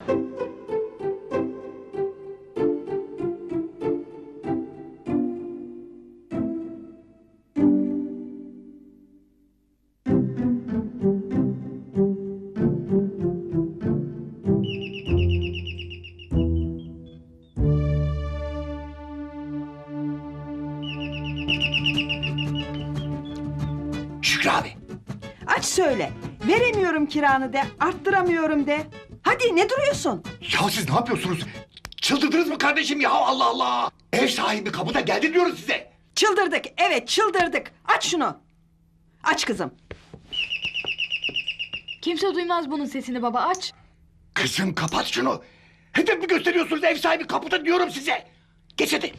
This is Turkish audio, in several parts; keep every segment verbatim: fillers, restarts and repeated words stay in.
Şükrü abi. Aç söyle. Veremiyorum kiranı de, arttıramıyorum de. Hadi ne duruyorsun? Ya siz ne yapıyorsunuz? Çıldırdınız mı kardeşim ya, Allah Allah! Ev sahibi kapıda geldi diyoruz size. Çıldırdık, evet çıldırdık. Aç şunu. Aç kızım. Kimse duymaz bunun sesini baba, aç. Kızım kapat şunu. Hedef mi gösteriyorsunuz, ev sahibi kapıda diyorum size. Geç hadi.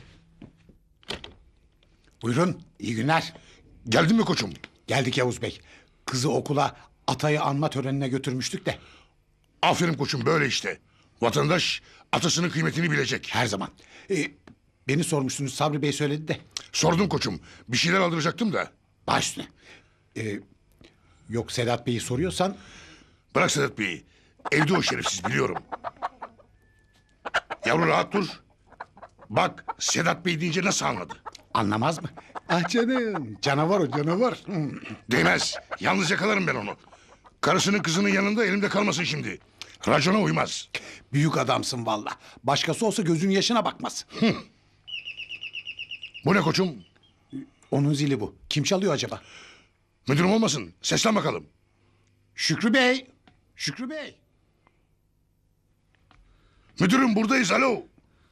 Buyurun, iyi günler. Geldin mi koçum? Geldik Yavuz Bey. Kızı okula atayı anma törenine götürmüştük de. Aferin koçum, böyle işte. Vatandaş atasının kıymetini bilecek. Her zaman. Ee, beni sormuştunuz, Sabri Bey söyledi de. Sordum koçum. Bir şeyler aldıracaktım da. Baş üstüne. Ee, yok Sedat Bey'i soruyorsan... Bırak Sedat Bey'i. Evde o şerefsiz, biliyorum. Yavru rahat dur. Bak Sedat Bey deyince nasıl anladı? Anlamaz mı? Ah canım, canavar o canavar. Hmm. Değmez. Yalnız yakalarım ben onu. Karısının kızının yanında elimde kalmasın şimdi. Racona uymaz. Büyük adamsın valla. Başkası olsa gözün yaşına bakmaz. Bu ne koçum? Onun zili bu. Kim çalıyor acaba? Müdürüm olmasın. Seslen bakalım. Şükrü Bey. Şükrü Bey. Müdürüm buradayız, alo.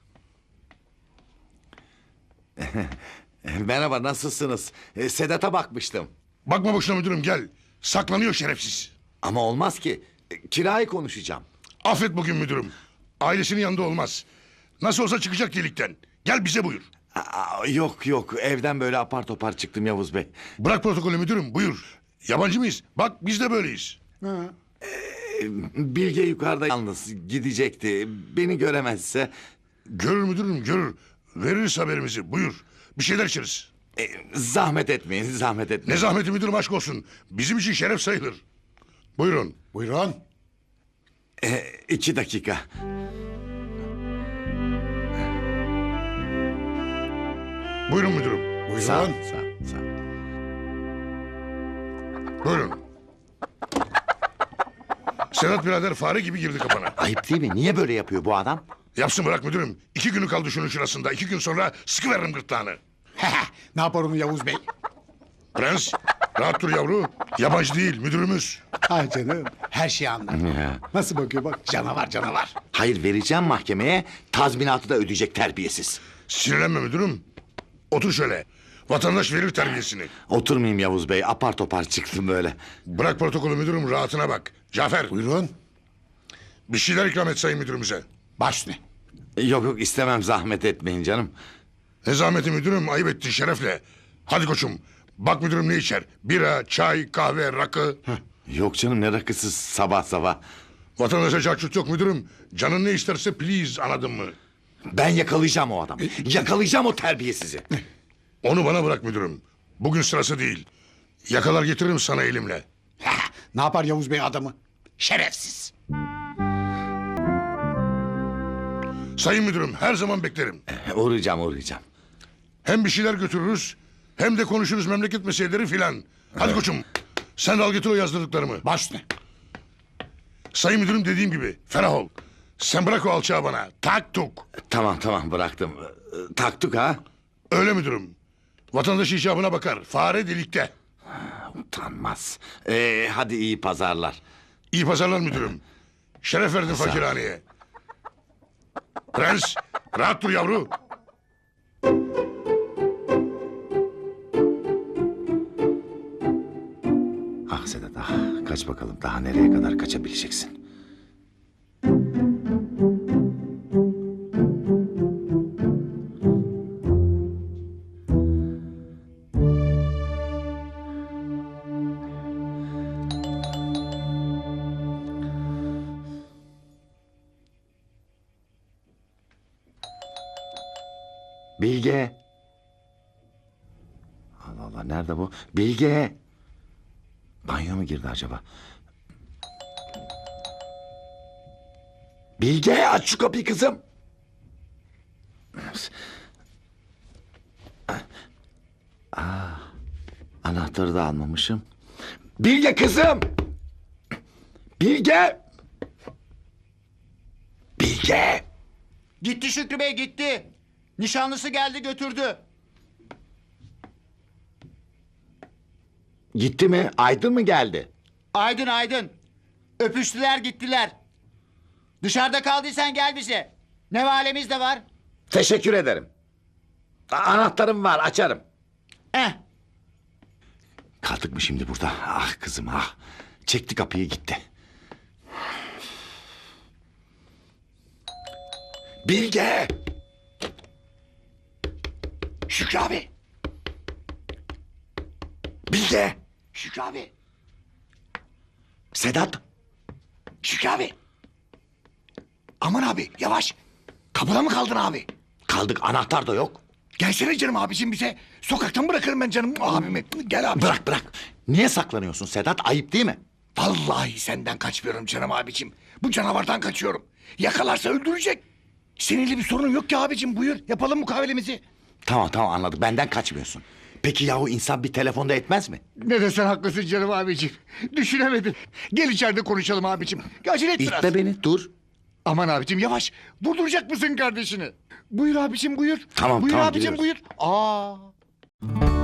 Merhaba, nasılsınız? Ee, Sedat'a bakmıştım. Bakma boşuna müdürüm, gel. Saklanıyor şerefsiz. Ama olmaz ki. Ee, Kirayı konuşacağım. Affet bugün müdürüm. Ailesinin yanında olmaz. Nasıl olsa çıkacak delikten. Gel bize buyur. Aa, yok yok, evden böyle apar topar çıktım Yavuz Bey. Bırak protokolü müdürüm, buyur. Yabancı mıyız? Bak biz de böyleyiz. Bilge yukarıda yalnız gidecekti. Beni göremezse... Görür müdürüm, görür. Veririz haberimizi, buyur. Bir şeyler içeriz. e, zahmet etmeyin, zahmet etmeyin. Ne zahmeti müdürüm, aşk olsun. Bizim için şeref sayılır. Buyurun. Buyurun. Ee, iki dakika. Buyurun müdürüm. Buyurun. Sağ ol, sağ ol, sağ ol. Buyurun. Sedat birader fare gibi girdi kapana. Ayıp değil mi? Niye böyle yapıyor bu adam? Yapsın bırak müdürüm. İki günü kaldı şunun şurasında. İki gün sonra sıkıveririm gırtlağını. Ne yapar onu Yavuz Bey? Prens, rahat dur yavru. Yabancı değil, müdürümüz. Ay canım, her şeyi anlar. Ya. Nasıl bakıyor bak, canavar canavar. Hayır, vereceğim mahkemeye. Tazminatı da ödeyecek terbiyesiz. Sinirlenme müdürüm. Otur şöyle. Vatandaş verir terbiyesini. Oturmayayım Yavuz Bey. Apar topar çıktım böyle. Bırak protokolü müdürüm, rahatına bak. Cafer, Buyurun. bir şeyler ikram et sayın müdürümüze. Baş üstüne. Yok yok, istemem, zahmet etmeyin canım. Ne zahmeti müdürüm, ayıp ettin şerefle. Hadi koçum, bak müdürüm ne içer? Bira, çay, kahve, rakı. Yok canım, ne rakısı sabah sabah. Vatandaşa çarçurt yok müdürüm. Canın ne isterse please, anladın mı? Ben yakalayacağım o adamı. Yakalayacağım o terbiyesizi. Onu bana bırak müdürüm. Bugün sırası değil. Yakalar getiririm sana elimle. Ne yapar Yavuz Bey adamı? Şerefsiz. Sayın müdürüm, her zaman beklerim. Uğrayacağım, uğrayacağım. Hem bir şeyler götürürüz, hem de konuşuruz memleket meseleleri filan. Hadi koçum, sen de al getir o yazdırdıklarımı. Baş üstüne. Sayın müdürüm dediğim gibi, ferah ol. Sen bırak o alçağı bana, tak tuk. Tamam tamam, bıraktım. Ee, Taktık ha. Öyle müdürüm. Vatandaş icabına bakar, fare delikte. Utanmaz. Ee, hadi iyi pazarlar. İyi pazarlar müdürüm. Şeref verdin fakirhaneye. Prens, rahat dur yavru. Ah Sedat ah, kaç bakalım, daha nereye kadar kaçabileceksin? Bilge. Allah Allah, nerede bu? Bilge. Banyo mu girdi acaba? Bilge aç şu kapıyı kızım. Aa, anahtarı da almamışım. Bilge kızım. Bilge. Bilge. Gitti Şükrü Bey gitti. Nişanlısı geldi götürdü. Gitti mi? Aydın mı geldi? Aydın Aydın. Öpüştüler gittiler. Dışarıda kaldıysan gel bize. Ne valemiz de var. Teşekkür ederim. A- Anahtarım var, açarım. Eh. Kaldık mı şimdi burada? Ah kızım ah. Çekti kapıyı gitti. Bilge. Şükrü abi. Bilge. Şükrü abi. Sedat. Şükrü abi. Aman abi yavaş. Kapıda mı kaldın abi? Kaldık, anahtar da yok. Gelsene canım abicim bize. Sokakta mı bırakırım ben canım abimi? Gel abi. Bırak bırak. Niye saklanıyorsun Sedat? Ayıp değil mi? Vallahi senden kaçmıyorum canım abicim. Bu canavardan kaçıyorum. Yakalarsa öldürecek. Seninle bir sorun yok ki abicim, buyur. Yapalım mukavelemizi. Tamam tamam anladık. Benden kaçmıyorsun. Peki yahu insan bir telefonda etmez mi? Ne desen haklısın canım abicim. Düşünemedim. Gel içeride konuşalım abicim. Acele et biraz. İtme beni, dur. Aman abicim yavaş. Vurduracak mısın kardeşini? Buyur abicim buyur. Tamam, buyur tamam, abicim giriyoruz. buyur. Aa.